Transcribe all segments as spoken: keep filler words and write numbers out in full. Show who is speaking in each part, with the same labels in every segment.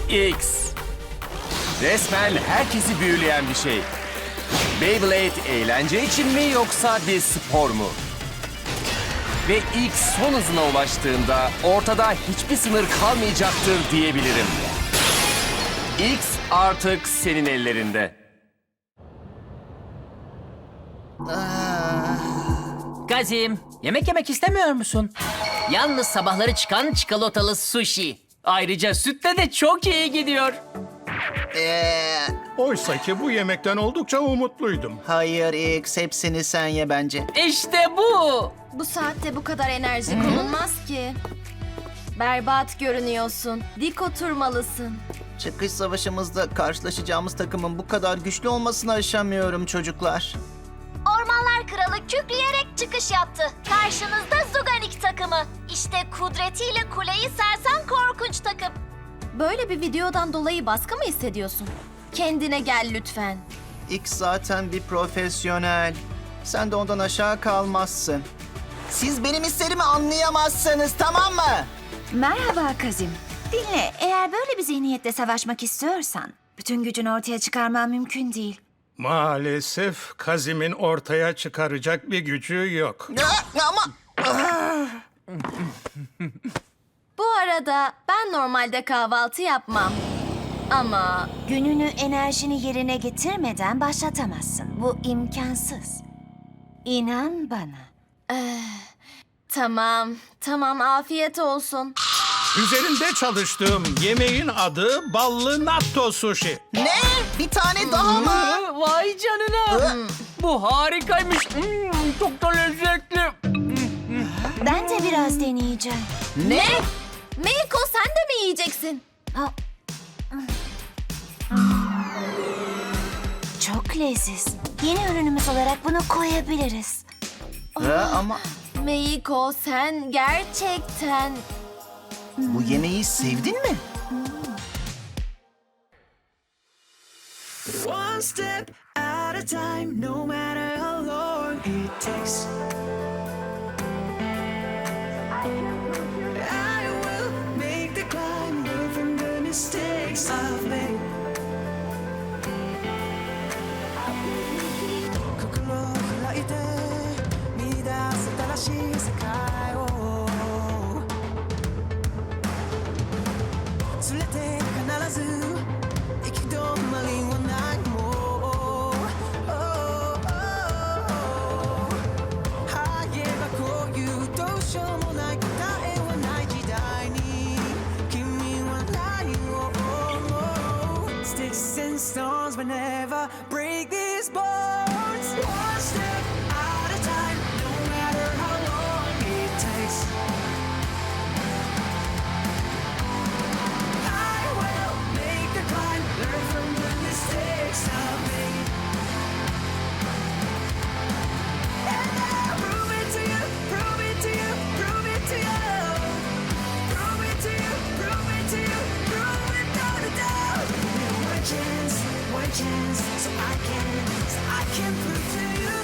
Speaker 1: X. Resmen herkesi büyüleyen bir şey. Beyblade eğlence için mi yoksa bir spor mu? Ve X son hızına ulaştığında ortada hiçbir sınır kalmayacaktır diyebilirim. X artık senin ellerinde.
Speaker 2: Kazim, yemek yemek istemiyor musun? Yalnız sabahları çıkan çikolatalı sushi. Ayrıca sütle de çok iyi gidiyor.
Speaker 3: Ee,
Speaker 4: Oysa ki bu yemekten oldukça umutluydum.
Speaker 3: hayır X, hepsini sen ye bence.
Speaker 2: İşte bu.
Speaker 5: Bu saatte bu kadar enerji konulmaz ki. Berbat görünüyorsun. Dik oturmalısın.
Speaker 3: Çıkış savaşımızda karşılaşacağımız takımın bu kadar güçlü olmasını aşamıyorum çocuklar.
Speaker 6: Ormanlar Kralı kükreyerek çıkış yaptı. Karşınızda Zuganik takımı. İşte kudretiyle kuleyi sersen korkunç takım.
Speaker 5: Böyle bir videodan dolayı baskı mı hissediyorsun? Kendine gel lütfen.
Speaker 3: X zaten bir profesyonel. Sen de ondan aşağı kalmazsın. Siz benim hislerimi anlayamazsınız, tamam mı?
Speaker 7: Merhaba Kazim. Dinle, eğer böyle bir zihniyetle savaşmak istiyorsan bütün gücünü ortaya çıkarman mümkün değil.
Speaker 4: Maalesef Kazim'in ortaya çıkaracak bir gücü yok.
Speaker 3: Ya, ama
Speaker 5: Bu arada ben normalde kahvaltı yapmam. Ama
Speaker 7: Gününü enerjini yerine getirmeden başlatamazsın. Bu imkansız. İnan bana.
Speaker 5: tamam, tamam afiyet olsun.
Speaker 4: Üzerinde çalıştığım yemeğin adı ballı natto sushi.
Speaker 3: ne? Bir tane daha mı?
Speaker 2: Aa, Vay canına. Bu harikaymış. Hmm, çok da lezzetli.
Speaker 7: Ben de biraz deneyeceğim.
Speaker 5: Ne? Meiko sen de mi yiyeceksin?
Speaker 7: Ha. Çok leziz. Yeni ürünümüz olarak bunu koyabiliriz.
Speaker 3: Ha, ama
Speaker 5: Meiko sen gerçekten...
Speaker 3: bu yemeği sevdin mi?
Speaker 8: One step at a time, no matter how long it takes. I will make the climb, learn from the mistakes I've made. 心を開いて見出す新しい世界を連れて必ず行き止まりはないもん。はいえばこういうどうしようもない答えはない時代に君は何を思う Sticks and stones will never break these bones. One step at a time, no matter how long it takes. I will make the climb, learn from the mistakes I've made. And I'll prove it to you, prove it to you, prove it to you. Prove it to you, prove it to you, prove it without a doubt. One chance, one chance, so I can, so I can prove to you.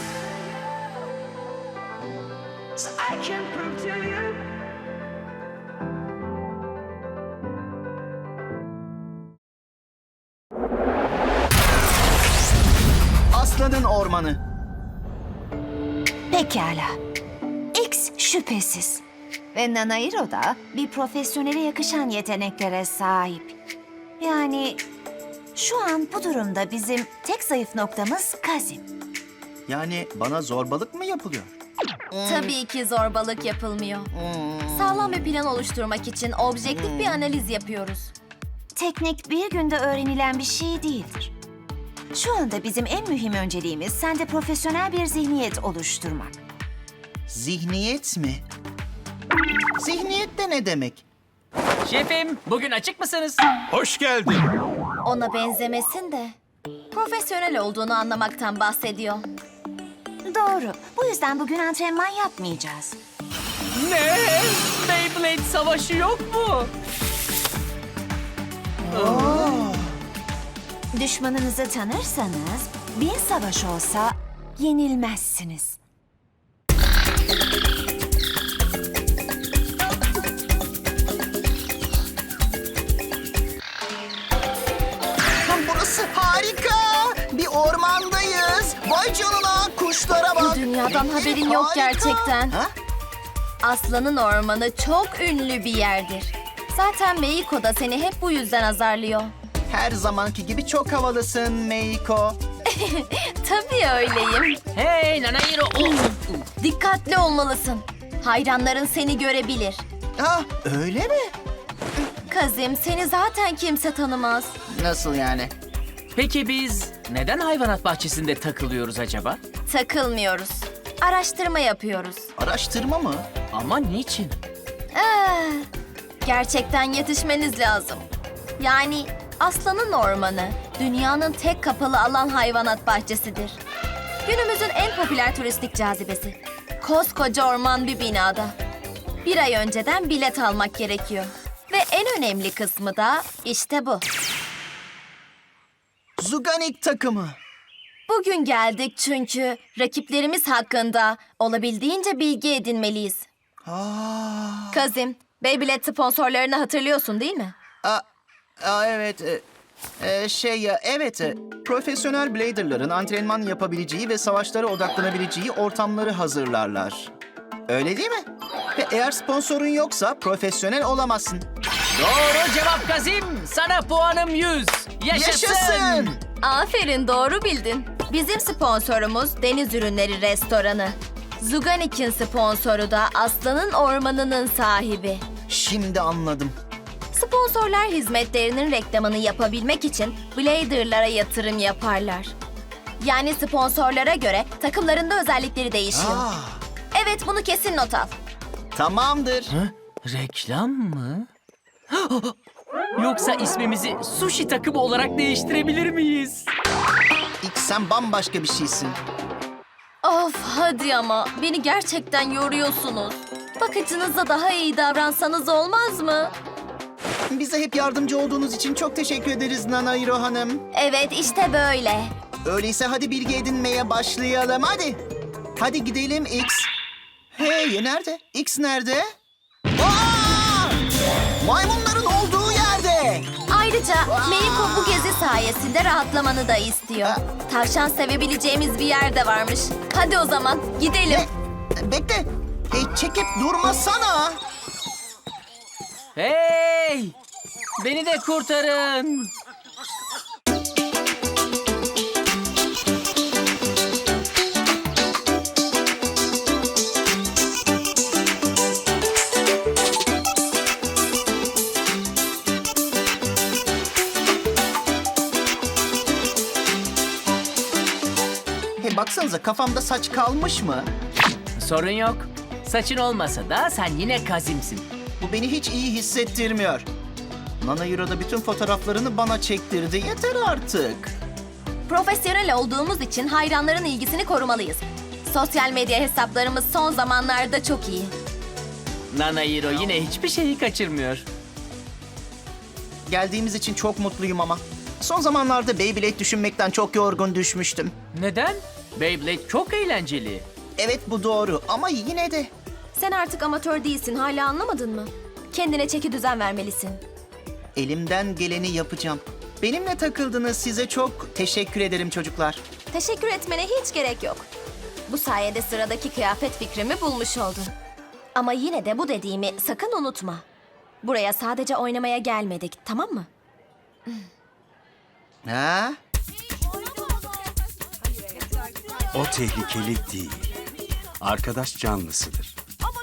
Speaker 8: So I can prove to you.
Speaker 3: Aslanın ormanı.
Speaker 7: Pekala. X şüphesiz. Ve Nanahiro da bir profesyonele yakışan yeteneklere sahip. Yani şu an bu durumda bizim tek zayıf noktamız Kazim.
Speaker 3: Yani bana zorbalık mı yapılıyor?
Speaker 5: Tabii ki zorbalık yapılmıyor. Sağlam bir plan oluşturmak için objektif bir analiz yapıyoruz.
Speaker 7: Teknik bir günde öğrenilen bir şey değildir. Şu anda bizim en mühim önceliğimiz sende profesyonel bir zihniyet oluşturmak.
Speaker 3: Zihniyet mi? Zihniyet de ne demek?
Speaker 2: Şefim, bugün açık mısınız?
Speaker 4: Hoş geldin.
Speaker 5: Ona benzemesin de profesyonel olduğunu anlamaktan bahsediyor.
Speaker 7: Doğru. Bu yüzden bugün antrenman yapmayacağız.
Speaker 2: Ne? Beyblade savaşı yok mu?
Speaker 7: Düşmanınızı tanırsanız bin savaş olsa yenilmezsiniz.
Speaker 3: X, harika! Bir ormandayız. Vay canına, kuşlara bak.
Speaker 5: Bu dünyadan haberin yok
Speaker 3: Harika.
Speaker 5: gerçekten.
Speaker 3: Ha?
Speaker 5: Aslanın ormanı çok ünlü bir yerdir. Zaten Meiko da seni hep bu yüzden azarlıyor.
Speaker 3: Her zamanki gibi çok havalısın Meiko.
Speaker 5: Tabii öyleyim.
Speaker 2: Hey Nanahiro. Oh.
Speaker 5: Dikkatli olmalısın. Hayranların seni görebilir.
Speaker 3: Ah, öyle mi?
Speaker 5: Kazim, seni zaten kimse tanımaz.
Speaker 3: Nasıl yani?
Speaker 2: Peki biz neden hayvanat bahçesinde takılıyoruz acaba?
Speaker 5: Takılmıyoruz. Araştırma yapıyoruz.
Speaker 3: Araştırma mı?
Speaker 2: Ama niçin?
Speaker 5: Ah, gerçekten yetişmeniz lazım. Yani Aslanın Ormanı dünyanın tek kapalı alan hayvanat bahçesidir. Günümüzün en popüler turistik cazibesi. Koskoca orman bir binada. Bir ay önceden bilet almak gerekiyor. Ve en önemli kısmı da işte bu.
Speaker 3: Zuganik takımı.
Speaker 5: Bugün geldik çünkü rakiplerimiz hakkında olabildiğince bilgi edinmeliyiz.
Speaker 3: Aa,
Speaker 5: Kazim, Beyblade sponsorlarını hatırlıyorsun değil mi?
Speaker 3: aa, aa, evet. e, e, şey ya, evet. e, profesyonel bladerların antrenman yapabileceği ve savaşlara odaklanabileceği ortamları hazırlarlar. Öyle değil mi? Ve eğer sponsorun yoksa profesyonel olamazsın.
Speaker 2: Doğru cevap Kazim. Sana puanım yüz. Yaşasın.
Speaker 3: Yaşasın!
Speaker 5: Aferin, doğru bildin. Bizim sponsorumuz Deniz Ürünleri Restoranı. Zuganik'in sponsoru da Aslanın Ormanı'nın sahibi.
Speaker 3: Şimdi anladım.
Speaker 5: Sponsorlar hizmetlerinin reklamını yapabilmek için Blader'lara yatırım yaparlar. Yani sponsorlara göre takımlarında özellikleri değişiyor.
Speaker 3: Aa,
Speaker 5: Evet, bunu kesin not al.
Speaker 3: tamamdır.
Speaker 2: Reklam mı? Yoksa ismimizi sushi takımı olarak değiştirebilir miyiz?
Speaker 3: İlk sen bambaşka bir şeysin.
Speaker 5: Of, hadi ama beni gerçekten yoruyorsunuz. Bakıcınıza daha iyi davransanız olmaz mı?
Speaker 3: Bize hep yardımcı olduğunuz için çok teşekkür ederiz Nanahiro Hanım.
Speaker 5: Evet, işte böyle.
Speaker 3: Öyleyse hadi bilgi edinmeye başlayalım, hadi. Hadi gidelim X. Hey, nerede? X nerede? Aa! Maymunların olduğu yerde.
Speaker 5: Ayrıca Meiko bu gezi sayesinde rahatlamanı da istiyor. Tavşan sevebileceğimiz bir yer de varmış. Hadi o zaman gidelim.
Speaker 3: Ne? Bekle. Hey, çekip durmasana.
Speaker 2: Hey! Beni de kurtarın.
Speaker 3: Hey, baksanıza, kafamda saç kalmış mı?
Speaker 2: Sorun yok. Saçın olmasa da sen yine Kazim'sin.
Speaker 3: Bu beni hiç iyi hissettirmiyor. Nanahiro'da bütün fotoğraflarını bana çektirdi. Yeter artık.
Speaker 5: Profesyonel olduğumuz için hayranların ilgisini korumalıyız. Sosyal medya hesaplarımız son zamanlarda çok iyi.
Speaker 2: Nanahiro yine hiçbir şeyi kaçırmıyor.
Speaker 3: Geldiğimiz için çok mutluyum ama. Son zamanlarda Beyblade düşünmekten çok yorgun düşmüştüm.
Speaker 2: Neden? Beyblade çok eğlenceli.
Speaker 3: Evet, bu doğru ama yine de.
Speaker 5: Sen artık amatör değilsin, hala anlamadın mı? Kendine çeki düzen vermelisin.
Speaker 3: Elimden geleni yapacağım. Benimle takıldınız, size çok teşekkür ederim çocuklar.
Speaker 5: Teşekkür etmene hiç gerek yok. Bu sayede sıradaki kıyafet fikrimi bulmuş oldun. Ama yine de bu dediğimi sakın unutma. Buraya sadece oynamaya gelmedik, tamam mı?
Speaker 3: Ha?
Speaker 9: O tehlikeli değil. Arkadaş canlısıdır.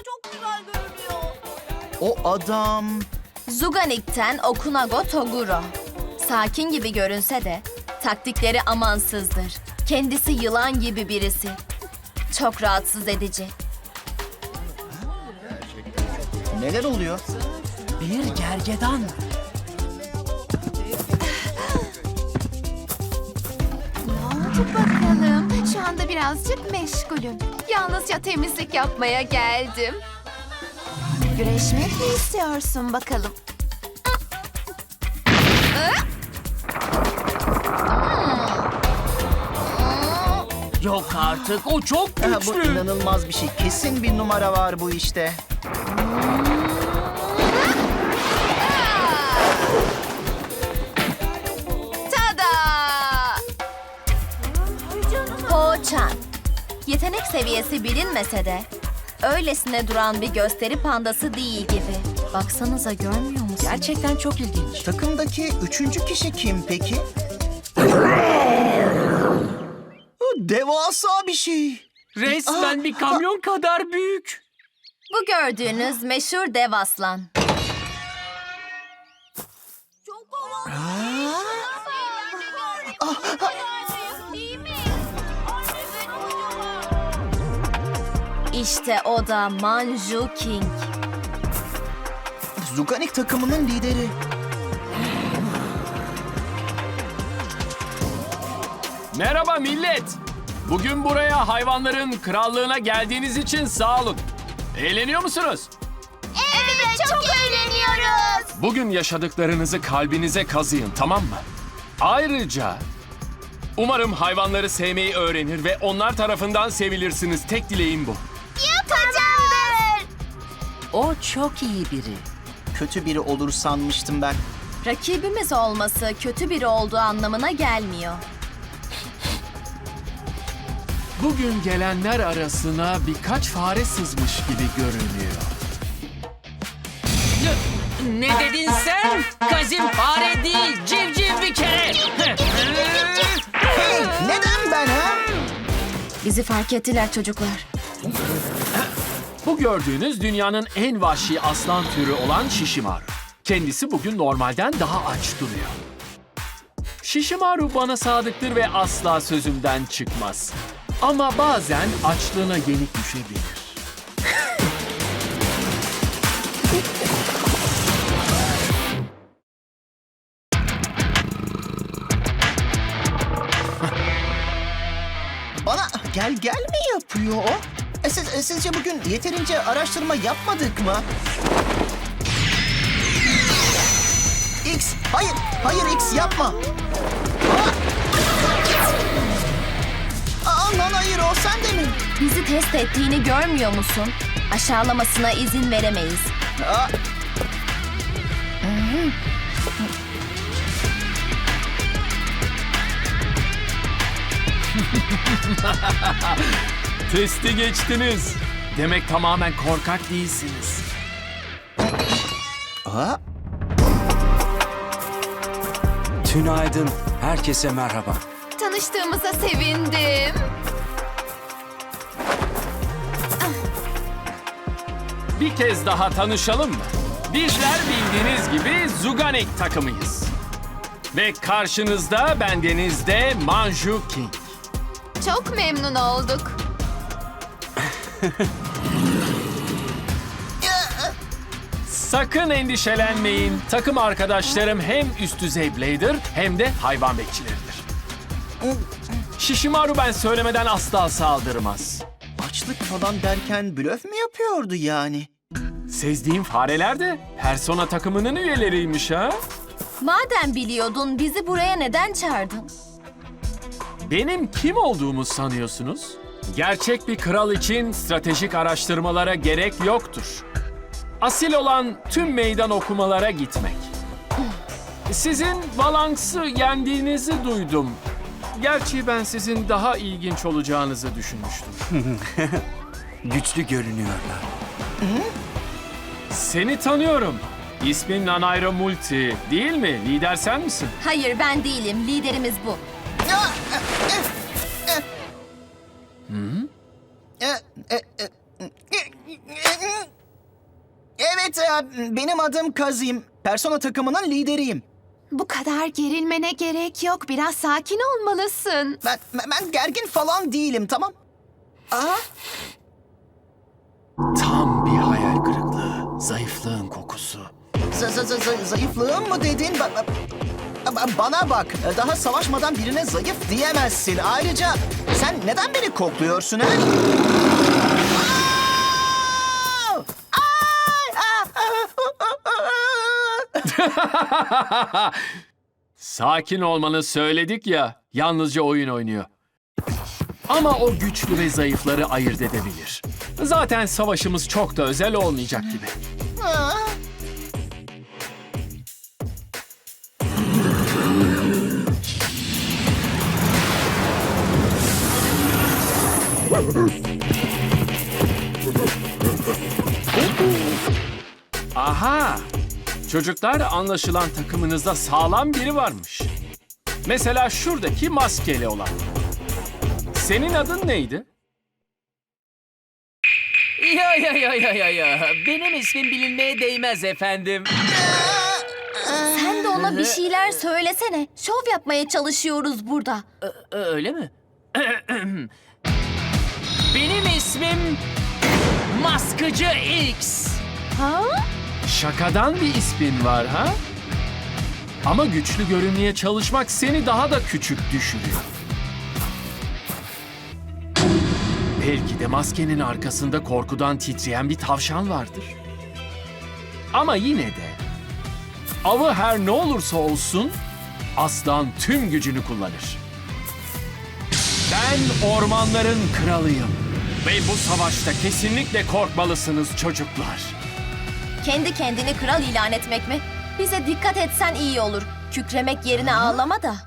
Speaker 3: O adam...
Speaker 5: Zuganik'ten Okunago Toguro. Sakin gibi görünse de taktikleri amansızdır. Kendisi yılan gibi birisi. Çok rahatsız edici.
Speaker 3: Neler oluyor?
Speaker 2: Bir gergedan.
Speaker 10: Oldu bakalım. Şu anda birazcık meşgulüm. Yalnızca temizlik yapmaya geldim.
Speaker 7: Güreşmek mi istiyorsun bakalım?
Speaker 2: Yok artık, o çok
Speaker 3: Ha, bu
Speaker 2: güçlü.
Speaker 3: inanılmaz bir şey. Kesin bir numara var bu işte.
Speaker 10: Tada!
Speaker 5: seviyesi bilinmese de öylesine duran bir gösteri pandası değil gibi. Baksanıza, görmüyor musun?
Speaker 2: Gerçekten çok ilginç.
Speaker 3: Takımdaki üçüncü kişi kim peki? Devasa bir şey.
Speaker 2: Resmen bir kamyon kadar büyük.
Speaker 5: Bu gördüğünüz meşhur dev aslan. İşte o da Manju King.
Speaker 3: Zuganik takımının lideri.
Speaker 11: Merhaba millet. Bugün buraya hayvanların krallığına geldiğiniz için sağ olun. Eğleniyor musunuz?
Speaker 6: Evet, çok eğleniyoruz.
Speaker 11: Bugün yaşadıklarınızı kalbinize kazıyın, tamam mı? Ayrıca umarım hayvanları sevmeyi öğrenir ve onlar tarafından sevilirsiniz. Tek dileğim bu.
Speaker 6: Yapacağız.
Speaker 2: O çok iyi biri.
Speaker 3: Kötü biri olur sanmıştım ben.
Speaker 5: Rakibimiz olması kötü biri olduğu anlamına gelmiyor.
Speaker 11: Bugün gelenler arasına birkaç fare sızmış gibi görünüyor.
Speaker 2: Ne dedin sen? Kazim fare değil, civciv bir kere.
Speaker 3: Hey, neden ben ha?
Speaker 5: Bizi fark ettiler çocuklar.
Speaker 11: Bu gördüğünüz dünyanın en vahşi aslan türü olan Shishimaru. Kendisi bugün normalden daha aç duruyor. Shishimaru bana sadıktır ve asla sözümden çıkmaz. Ama bazen açlığına yenik düşebilir.
Speaker 3: Bana gel gel mi yapıyor o? E siz, e sizce bugün yeterince araştırma yapmadık mı? X, hayır, hayır X yapma. Aa, Aa lan hayır o sen de mi?
Speaker 5: Bizi test ettiğini görmüyor musun? Aşağılamasına izin veremeyiz.
Speaker 3: Aa,
Speaker 11: Testi geçtiniz. Demek tamamen korkak değilsiniz.
Speaker 3: aa,
Speaker 9: Tünaydın. Herkese merhaba.
Speaker 10: Tanıştığımıza sevindim.
Speaker 11: Bir kez daha tanışalım mı? Bizler bildiğiniz gibi Zuganik takımıyız. Ve karşınızda bendenizde Manju King.
Speaker 10: Çok memnun olduk.
Speaker 11: Sakın endişelenmeyin. Takım arkadaşlarım hem üst düzey blader hem de hayvan bekçileridir. Shishimaru ben söylemeden asla saldırmaz.
Speaker 3: açlık falan derken blöf mü yapıyordu yani?
Speaker 11: Sezdiğim fareler de Persona takımının üyeleriymiş ha.
Speaker 5: Madem biliyordun, bizi buraya neden çağırdın?
Speaker 11: Benim kim olduğumu sanıyorsunuz? Gerçek bir kral için stratejik araştırmalara gerek yoktur. Asil olan tüm meydan okumalara gitmek. Sizin Valanx'ı yendiğinizi duydum. Gerçi ben sizin daha ilginç olacağınızı düşünmüştüm.
Speaker 9: Güçlü görünüyorlar.
Speaker 11: Seni tanıyorum. İsmin Nanairo Multi değil mi? Lider sen misin?
Speaker 5: Hayır, ben değilim. Liderimiz bu.
Speaker 3: E, e, e, Evet, e, benim adım Kazim. Persona takımının lideriyim.
Speaker 10: Bu kadar gerilmene gerek yok. Biraz sakin olmalısın.
Speaker 3: Ben, ben gergin falan değilim, tamam? Aa,
Speaker 11: Tam bir hayal kırıklığı. Zayıflığın kokusu.
Speaker 3: z- z- z- zayıflığım mı dedin? Ba- ba- ba- bana bak, daha savaşmadan birine zayıf diyemezsin. Ayrıca sen neden beni kokluyorsun ha? Aa! Ay! Aa!
Speaker 11: Sakin olmanı söyledik ya, yalnızca oyun oynuyor. Ama o güçlü ve zayıfları ayırt edebilir. Zaten savaşımız çok da özel olmayacak gibi.
Speaker 3: Aa!
Speaker 11: Aha! Çocuklar, anlaşılan takımınızda sağlam biri varmış. Mesela şuradaki maskeli olan. Senin adın neydi?
Speaker 2: Ya ya ya ya ya ya. Benim ismim bilinmeye değmez efendim.
Speaker 5: Sen de ona bir şeyler söylesene. Şov yapmaya çalışıyoruz burada.
Speaker 2: Ö- Öyle mi? Benim ismim Maskıcı X.
Speaker 5: Ha?
Speaker 11: Şakadan bir ismin var ha? Ama güçlü görünmeye çalışmak seni daha da küçük düşürüyor. Belki de maskenin arkasında korkudan titreyen bir tavşan vardır. Ama yine de avı her ne olursa olsun aslan tüm gücünü kullanır. Ben ormanların kralıyım ve bu savaşta kesinlikle korkmalısınız çocuklar.
Speaker 5: Kendi kendini kral ilan etmek mi? Bize dikkat etsen iyi olur. Kükremek yerine ağlama da.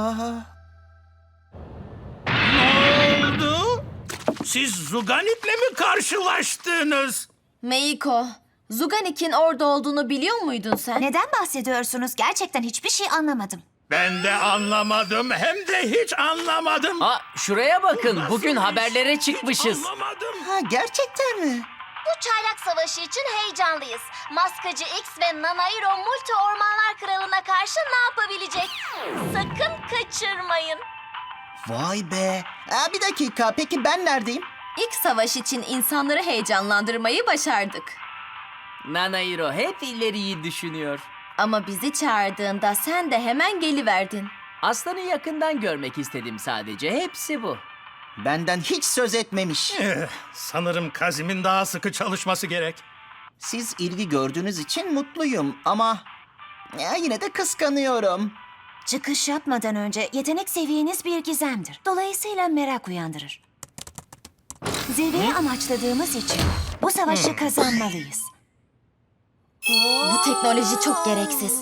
Speaker 4: Ne oldu? Siz Zuganik'le mi karşılaştınız?
Speaker 5: Meiko, Zuganik'in orada olduğunu biliyor muydun sen?
Speaker 7: Neden bahsediyorsunuz? Gerçekten hiçbir şey anlamadım.
Speaker 4: Ben de anlamadım, hem de hiç anlamadım.
Speaker 2: Aa, şuraya bakın.
Speaker 4: Nasıl
Speaker 2: Bugün
Speaker 4: iş?
Speaker 2: haberlere
Speaker 4: Hiç
Speaker 2: çıkmışız.
Speaker 4: anlamadım.
Speaker 3: Ha, gerçekten mi?
Speaker 6: Bu çaylak savaşı için heyecanlıyız. Maskacı X ve Nanairo Multi Ormanlar Kralı'na karşı ne yapabilecek? Sakın kaçırmayın.
Speaker 3: Vay be. Aa, bir dakika, peki ben neredeyim?
Speaker 5: İlk savaş için insanları heyecanlandırmayı başardık.
Speaker 2: Nanairo hep ileriyi düşünüyor.
Speaker 5: Ama bizi çağırdığında sen de hemen geliverdin.
Speaker 2: Aslanı yakından görmek istedim sadece. Hepsi bu.
Speaker 3: Benden hiç söz etmemiş.
Speaker 4: Eh, sanırım Kazim'in daha sıkı çalışması gerek.
Speaker 3: Siz ilgi gördüğünüz için mutluyum ama ya, yine de kıskanıyorum.
Speaker 7: Çıkış yapmadan önce yetenek seviyeniz bir gizemdir. Dolayısıyla merak uyandırır. Zirveyi amaçladığımız için bu savaşı kazanmalıyız.
Speaker 5: Bu teknoloji çok gereksiz.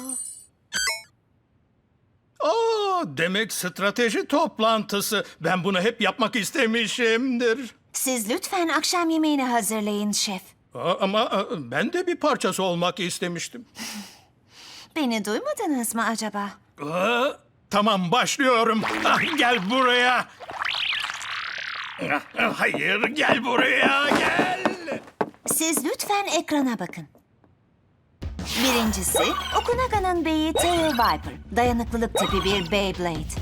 Speaker 4: Oo, demek strateji toplantısı. Ben bunu hep yapmak istemişimdir.
Speaker 7: Siz lütfen akşam yemeğini hazırlayın şef.
Speaker 4: Aa, ama aa, ben de bir parçası olmak istemiştim.
Speaker 7: Beni duymadınız mı acaba?
Speaker 4: Aa, tamam, başlıyorum. Ah, gel buraya. Ah, hayır, gel buraya, gel.
Speaker 7: Siz lütfen ekrana bakın. Birincisi, Okunaga'nın beyi Tail Viper. Dayanıklılık tipi bir Beyblade.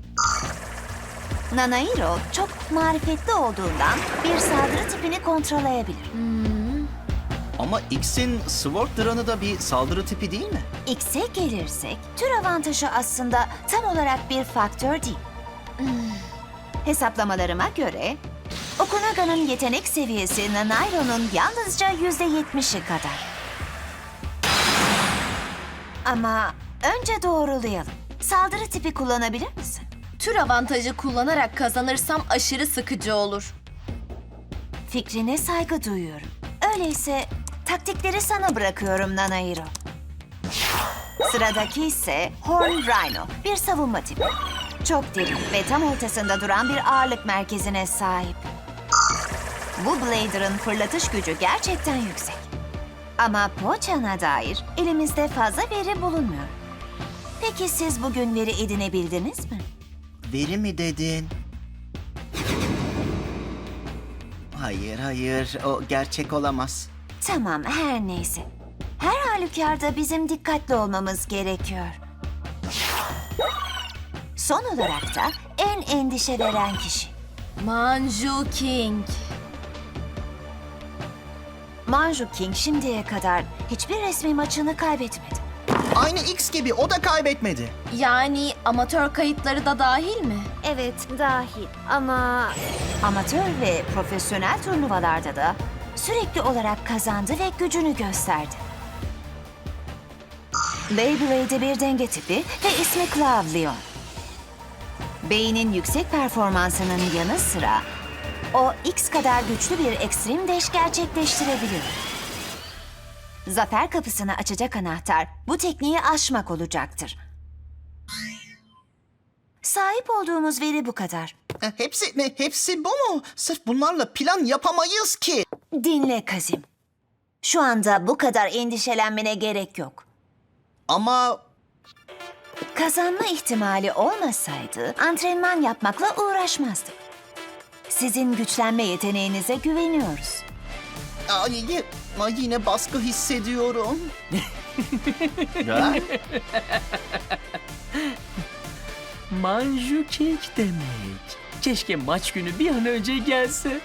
Speaker 7: Nanairo çok marifetli olduğundan bir saldırı tipini kontrolleyebilir.
Speaker 3: Ama X'in Sword Run'ı da bir saldırı tipi değil mi?
Speaker 7: X'e gelirsek, tür avantajı aslında tam olarak bir faktör değil. Hesaplamalarıma göre, Okunaga'nın yetenek seviyesi Nanairo'nun yalnızca yüzde yetmişi kadar. Ama önce doğrulayalım. Saldırı tipi kullanabilir misin?
Speaker 5: Tür avantajı kullanarak kazanırsam aşırı sıkıcı olur.
Speaker 7: Fikrine saygı duyuyorum. Öyleyse taktikleri sana bırakıyorum Nanairo. Sıradaki ise Horn Rhino, bir savunma tipi. Çok derin ve tam ortasında duran bir ağırlık merkezine sahip. Bu Blader'ın fırlatış gücü gerçekten yüksek. Ama Poçan'a dair elimizde fazla veri bulunmuyor. Peki siz bugün veri edinebildiniz mi?
Speaker 3: Veri mi dedin? Hayır, hayır. O gerçek olamaz.
Speaker 7: Tamam, her neyse. Her halükarda bizim dikkatli olmamız gerekiyor. Son olarak da en endişe veren kişi.
Speaker 5: Manju King.
Speaker 7: Manju King şimdiye kadar hiçbir resmi maçını kaybetmedi.
Speaker 3: Aynı X gibi o da kaybetmedi.
Speaker 5: Yani amatör kayıtları da dahil mi?
Speaker 7: Evet, dahil ama... Amatör ve profesyonel turnuvalarda da sürekli olarak kazandı ve gücünü gösterdi. Beyblade'de bir denge tipi ve ismi Claw Leon. Beynin yüksek performansının yanı sıra o X kadar güçlü bir ekstrem deş gerçekleştirebilir. Zafer kapısını açacak anahtar bu tekniği aşmak olacaktır. Sahip olduğumuz veri bu kadar.
Speaker 3: E, Hepsi mi? Hepsi bu mu? Sırf bunlarla plan yapamayız ki.
Speaker 7: Dinle Kazim. Şu anda bu kadar endişelenmene gerek yok.
Speaker 3: Ama
Speaker 7: Kazanma ihtimali olmasaydı antrenman yapmakla uğraşmazdık. Sizin güçlenme yeteneğinize güveniyoruz.
Speaker 3: ay, y- ay, yine baskı hissediyorum. Ha?
Speaker 2: Manju kek demek. Keşke maç günü bir an önce gelse.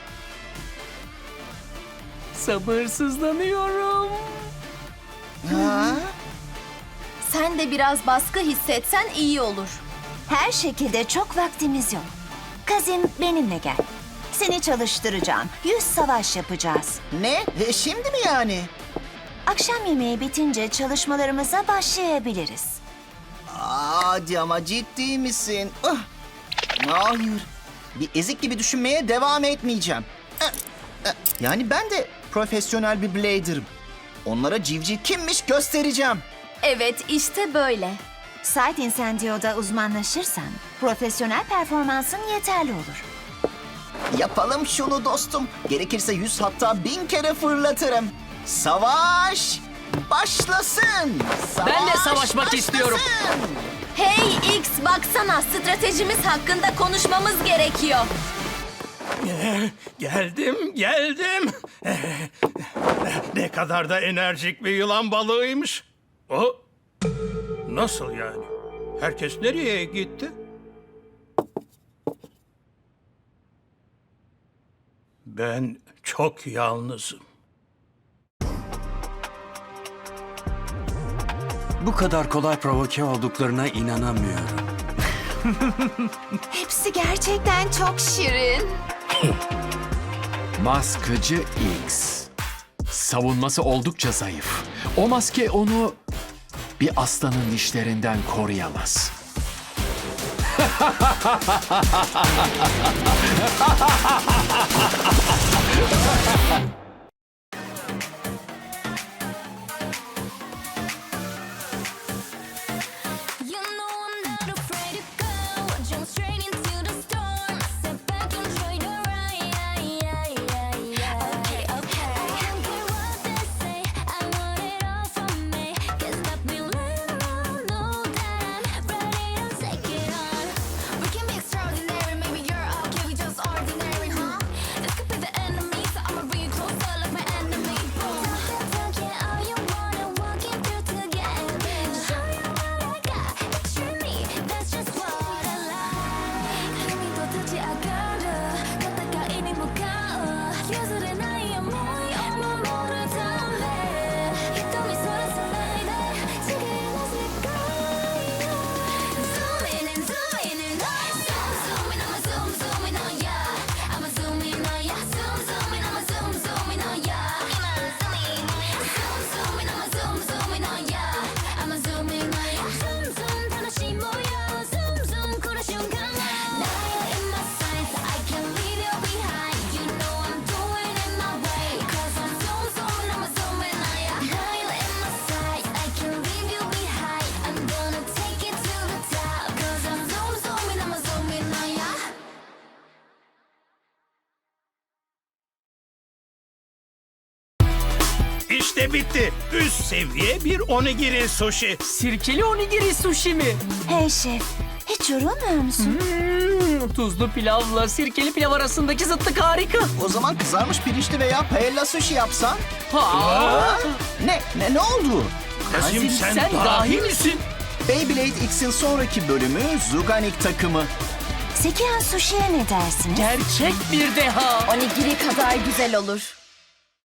Speaker 2: Sabırsızlanıyorum.
Speaker 3: Ha?
Speaker 5: Sen de biraz baskı hissetsen iyi olur.
Speaker 7: Her şekilde çok vaktimiz yok. Kazim benimle gel. Seni çalıştıracağım. Yüz savaş yapacağız.
Speaker 3: Ne? E, şimdi mi yani?
Speaker 7: Akşam yemeği bitince çalışmalarımıza başlayabiliriz.
Speaker 3: Aa, Hadi ama ciddi misin? Ah! Hayır. Bir ezik gibi düşünmeye devam etmeyeceğim. Ah, ah. Yani ben de profesyonel bir blader'ım. Onlara civciv kimmiş göstereceğim.
Speaker 5: Evet, işte böyle.
Speaker 7: Site Incendio'da uzmanlaşırsan profesyonel performansın yeterli olur.
Speaker 3: Yapalım şunu dostum. Gerekirse yüz hatta bin kere fırlatırım. Savaş başlasın. Savaş
Speaker 2: Ben de savaşmak istiyorum.
Speaker 3: başlasın.
Speaker 5: Hey X, baksana, stratejimiz hakkında konuşmamız gerekiyor.
Speaker 4: Geldim, geldim. Ne kadar da enerjik bir yılan balığıymış. O nasıl yani? Herkes nereye gitti? Ben çok yalnızım.
Speaker 9: Bu kadar kolay provoke olduklarına inanamıyorum.
Speaker 10: Hepsi gerçekten çok şirin.
Speaker 11: Maskacı X. Savunması oldukça zayıf. O maske onu bir aslanın dişlerinden koruyamaz.
Speaker 6: You know I'm not afraid to go. Jump straight into the storm. Sit back, enjoy the ride. Okay, okay. I don't care what they say. I want it all from me. Can't stop me letting them know that I'm ready to take it on. We can be extraordinary. Maybe you're okay, we just ordinary, huh? This could be the enemy, so I'ma read closer like my enemy. Boom. Talk it all you wanna, walking through together. Show you what I got. Picture me, that's just what I like. 힘이 더 타지 않아도 가다가 이미 무거워. 예술의 나이야 뭐야 엄마 모를 담배. 히토미 소리 슬라이드 지금 let's go. Zoom in and zoom in and zoom zoom in, I'ma zoom zoom in on ya. I'ma zoom in on ya. Zoom zoom in, I'ma zoom zoom in on ya. I'ma zoom in. Zoom zoom in, I'ma zoom zoom in on ya. I'ma zoom in on ya. Zoom zoom 다시 모여. Zoom zoom 그런 순간. Now you're in my sights, I can't leave you behind. You know I'm doing it my way. 'Cause I'm zoom zoom, I'ma zoom in on ya. Now you're in my sights, I can't leave you behind. I'm gonna take it to the top. 'Cause I'm zoom zoom, I'ma zoom in on ya.
Speaker 4: İşte bitti. Üst seviye bir onigiri sushi.
Speaker 2: Sirkeli onigiri sushi mi?
Speaker 7: Hey şef, hiç yorulmuyor musun?
Speaker 2: Hmm, tuzlu pilavla sirkeli pilav arasındaki zıtlık harika.
Speaker 3: O zaman kızarmış pirinçli veya paella sushi yapsan.
Speaker 2: Ha!
Speaker 3: Ne? Ne, ne oldu?
Speaker 4: Kazim
Speaker 2: Kazim,
Speaker 4: sen,
Speaker 2: sen
Speaker 4: dahi
Speaker 2: dahi
Speaker 4: misin?
Speaker 3: Beyblade X'in sonraki bölümü Zuganik takımı.
Speaker 7: Sekihan Sushi'ye ne dersiniz?
Speaker 2: Gerçek bir deha.
Speaker 5: Onigiri kadar güzel olur.